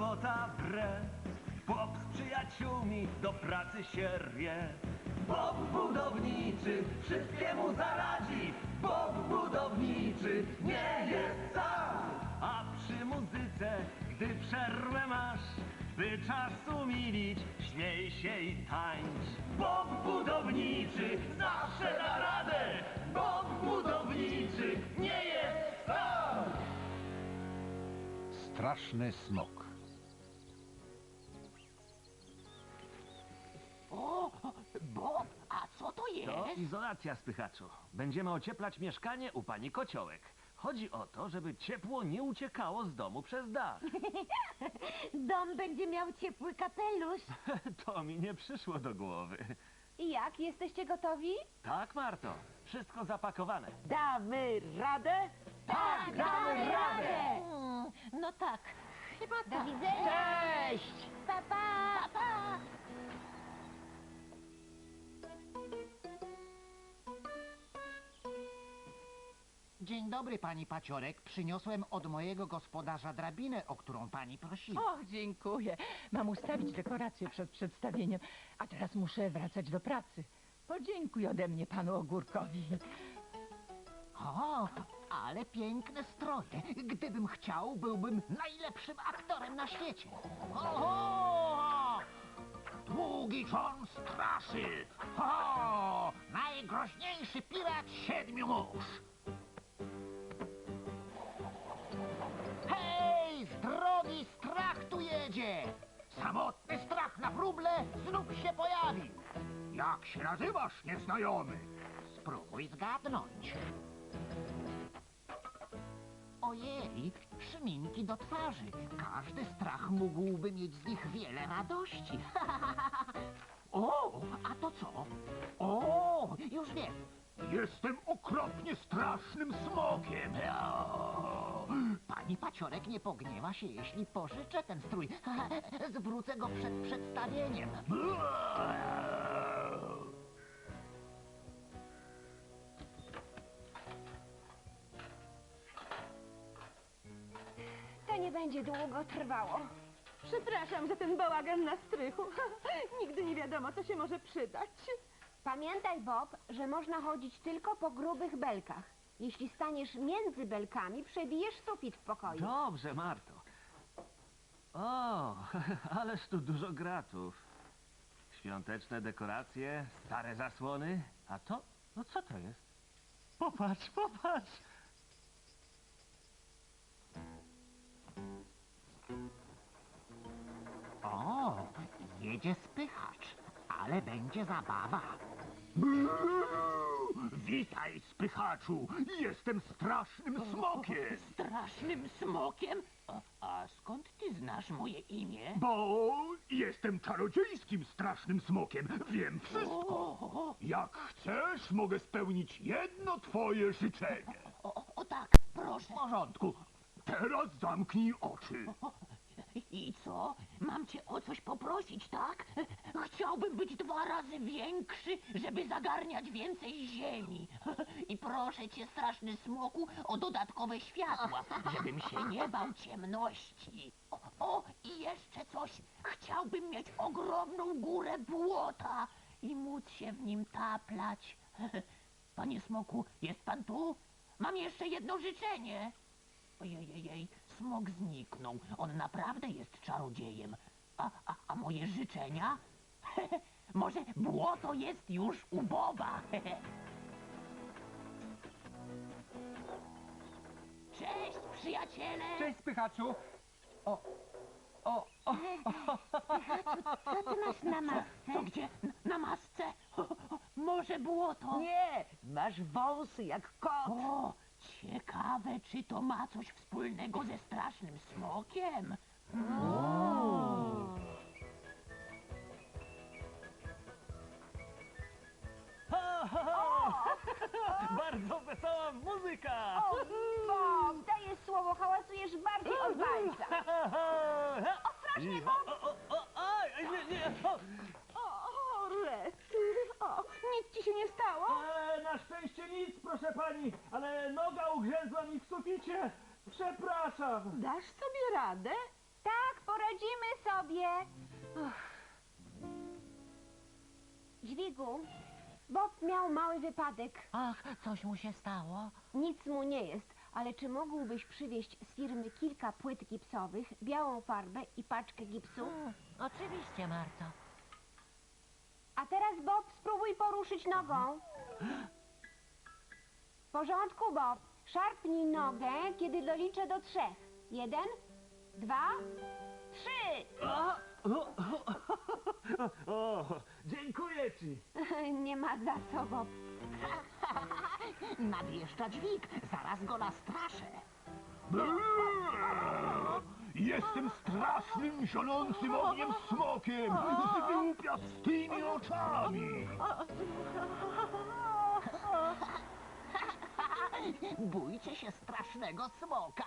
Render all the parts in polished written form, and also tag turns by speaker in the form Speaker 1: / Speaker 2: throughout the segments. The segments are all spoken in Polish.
Speaker 1: robota wre. Bob z przyjaciółmi do pracy się rwie. Bob budowniczy wszystkiemu zaradzi. Bob budowniczy nie jest sam. A przy muzyce, gdy przerwę masz, by czas umilić, śmiej się i tańcz. Bob budowniczy zawsze da radę. Bob budowniczy nie jest sam.
Speaker 2: Straszny smok.
Speaker 3: O, Bob, a co to
Speaker 1: To
Speaker 3: jest?
Speaker 1: izolacja, spychaczu. Będziemy ocieplać mieszkanie u pani Kociołek. Chodzi o to, żeby ciepło nie uciekało z domu przez dach.
Speaker 4: Dom będzie miał ciepły kapelusz.
Speaker 1: To mi nie przyszło do głowy.
Speaker 4: I jak? Jesteście gotowi?
Speaker 1: Tak, Marto. Wszystko zapakowane.
Speaker 4: Damy radę? Tak, damy radę!
Speaker 3: No tak, chyba
Speaker 4: Do
Speaker 3: tak.
Speaker 4: widzenia! Cześć! Pa, pa!
Speaker 3: Pa, pa. Dzień dobry, pani Paciorek. Przyniosłem od mojego gospodarza drabinę, o którą pani prosiła.
Speaker 5: Och, dziękuję. Mam ustawić dekoracje przed przedstawieniem, a teraz muszę wracać do pracy. Podziękuj ode mnie panu Ogórkowi.
Speaker 3: O, ale piękne stroje. Gdybym chciał, byłbym najlepszym aktorem na świecie. Oho! Długi John straszy. O, najgroźniejszy pirat 7 mórz. Hej, z drogi strach tu jedzie. Samotny strach na wróble znów się pojawił. Jak się nazywasz, nieznajomy? Spróbuj zgadnąć. Ojej, szminki do twarzy. Każdy strach mógłby mieć z nich wiele radości. O, a to co? O, już wiem. Jestem okropnie strasznym smokiem. Pani Paciorek nie pogniewa się, jeśli pożyczę ten strój. Zwrócę go przed przedstawieniem.
Speaker 4: To nie będzie długo trwało. Przepraszam za ten bałagan na strychu. Nigdy nie wiadomo, co się może przydać. Pamiętaj, Bob, że można chodzić tylko po grubych belkach. Jeśli staniesz między belkami, przebijesz sufit w pokoju.
Speaker 1: Dobrze, Marto. O, ależ tu dużo gratów. Świąteczne dekoracje, stare zasłony. A to? No co to jest? Popatrz, popatrz.
Speaker 3: O, jedzie spychacz, ale będzie zabawa. Witaj, spychaczu! Jestem strasznym smokiem!
Speaker 6: Strasznym smokiem? A skąd ty znasz moje imię?
Speaker 3: Bo jestem czarodziejskim strasznym smokiem. Wiem wszystko.
Speaker 6: O,
Speaker 3: Jak chcesz, mogę spełnić jedno twoje życzenie.
Speaker 6: o tak,
Speaker 3: W
Speaker 6: proszę.
Speaker 3: porządku. Teraz zamknij oczy.
Speaker 6: I co? Mam cię o coś poprosić, tak? Chciałbym być 2 razy większy, żeby zagarniać więcej ziemi. I proszę cię, straszny smoku, o dodatkowe światła, żebym się nie bał ciemności. O, i jeszcze coś. Chciałbym mieć ogromną górę błota i móc się w nim taplać. Panie smoku, jest pan tu? Mam jeszcze jedno życzenie. Ojej, smok zniknął. On naprawdę jest czarodziejem. A moje życzenia? Może błoto jest już u Boba? Cześć, przyjaciele!
Speaker 7: Cześć, spychaczu!
Speaker 4: Co ty masz na masce?
Speaker 6: Co gdzie? Na masce? Może błoto?
Speaker 4: Nie, masz wąsy jak kot.
Speaker 6: O, ciekawe, czy to ma coś wspólnego ze strasznym smokiem?
Speaker 1: Ha, ha, ha. Bardzo wesoła muzyka!
Speaker 4: O, Bob, dajesz słowo, hałasujesz bardziej od walca. Ostrożnie, Bob!
Speaker 1: Aj, nie.
Speaker 4: O, rety. O, nic ci się nie stało?
Speaker 1: Na szczęście nic, proszę pani, ale noga ugrzęzła mi w suficie. Przepraszam.
Speaker 4: Dasz sobie radę? Tak, poradzimy Dźwigu, Bob miał mały wypadek.
Speaker 6: Ach, coś mu się stało?
Speaker 4: Nic mu nie jest, ale czy mógłbyś przywieźć z firmy kilka płyt gipsowych, białą farbę i paczkę gipsu?
Speaker 6: Oczywiście, Marto.
Speaker 4: A teraz, Bob, spróbuj poruszyć nogą. W porządku, Bob. Szarpnij nogę, kiedy doliczę do 3. 1, 2, 3.
Speaker 1: O, dziękuję ci.
Speaker 4: Nie ma za co, Bob.
Speaker 3: Nadjeżdża dźwig, zaraz go nastraszę.
Speaker 1: Jestem strasznym, zionącym ogniem smokiem z wyłupiastymi oczami.
Speaker 3: Bójcie się strasznego smoka.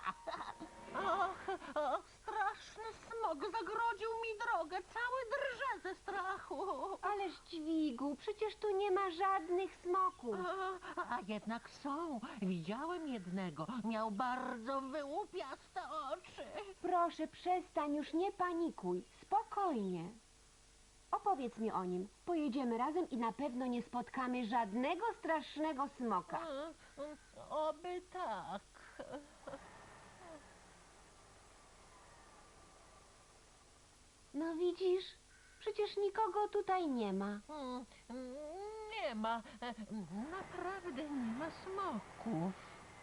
Speaker 6: Och, straszny smok zagrodził mi drogę. Cały drże ze strachu.
Speaker 4: Ależ dźwigu, przecież tu nie ma żadnych smoków.
Speaker 6: A jednak są. Widziałem jednego. Miał bardzo wyłupiaste oczy.
Speaker 4: Proszę, przestań, już nie panikuj. Spokojnie. Opowiedz mi o nim. Pojedziemy razem i na pewno nie spotkamy żadnego strasznego smoka.
Speaker 6: Oby tak.
Speaker 4: No widzisz, przecież nikogo tutaj nie ma.
Speaker 6: Nie ma. Naprawdę nie ma smoków.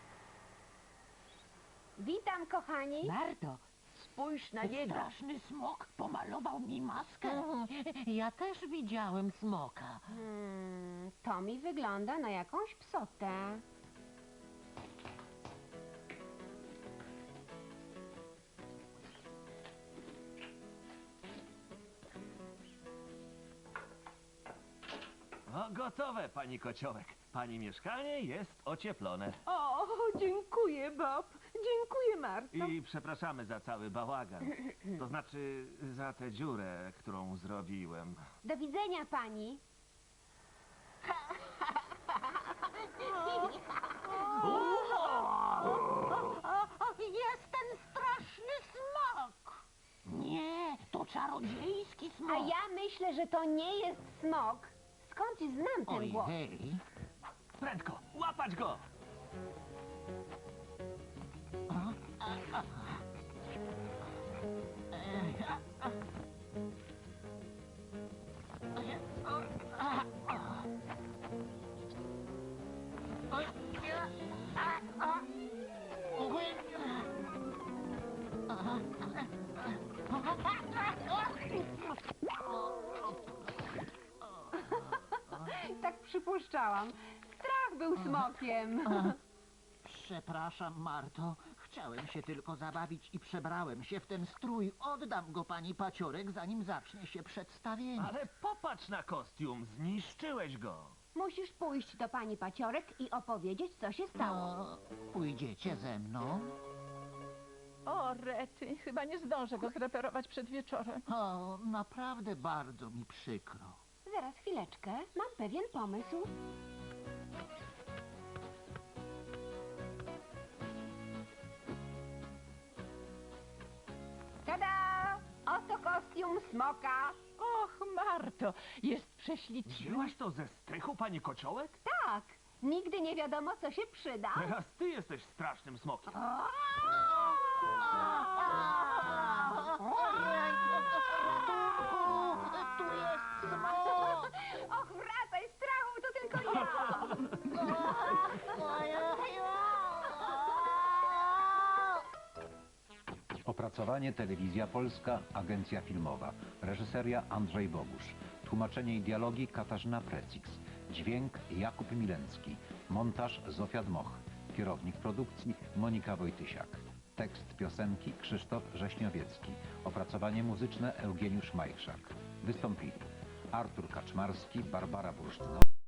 Speaker 4: Witam, kochani.
Speaker 3: Marto, spójrz na niego.
Speaker 6: Straszny smok pomalował mi maskę. Ja też widziałem smoka.
Speaker 4: To mi wygląda na jakąś psotę.
Speaker 1: O, gotowe, pani kociołek. Pani mieszkanie jest ocieplone.
Speaker 5: O, dziękuję, Bob. Dziękuję, Marto.
Speaker 1: I przepraszamy za cały bałagan. To znaczy za tę dziurę, którą zrobiłem.
Speaker 4: Do widzenia, pani.
Speaker 6: Jest ten straszny smok. Nie, to czarodziejski
Speaker 4: A
Speaker 6: smok.
Speaker 4: ja myślę, że to nie jest smok. Skąd znam ten głos?
Speaker 3: Ojej.
Speaker 1: Prędko, łapać go!
Speaker 4: Tak przypuszczałam. Strach był smokiem.
Speaker 3: Przepraszam, Marto. Chciałem się tylko zabawić i przebrałem się w ten strój. Oddam go pani Paciorek, zanim zacznie się przedstawienie.
Speaker 1: Ale popatrz na kostium, zniszczyłeś go.
Speaker 4: Musisz pójść do pani Paciorek i opowiedzieć, co się stało.
Speaker 3: No, pójdziecie ze mną?
Speaker 5: O, rety, chyba nie zdążę go zreperować przed wieczorem.
Speaker 3: O, naprawdę bardzo mi przykro.
Speaker 4: Zaraz chwileczkę, mam pewien pomysł. Tada! Oto kostium smoka.
Speaker 5: Och, Marto, jest prześliczny.
Speaker 1: Wzięłaś to ze strychu, pani kociołek?
Speaker 4: Tak, nigdy nie wiadomo, co się przyda.
Speaker 1: Teraz ty jesteś strasznym smokiem.
Speaker 3: Tu jest smok!
Speaker 4: Och, wracaj, strachu, to tylko ja.
Speaker 2: Opracowanie Telewizja Polska, Agencja Filmowa. Reżyseria Andrzej Bogusz. Tłumaczenie i dialogi Katarzyna Precix. Dźwięk Jakub Milencki. Montaż Zofia Dmoch. Kierownik produkcji Monika Wojtysiak. Tekst piosenki Krzysztof Rześniowiecki. Opracowanie muzyczne Eugeniusz Majchrzak. Wystąpili Artur Kaczmarski, Barbara Bursztynowa.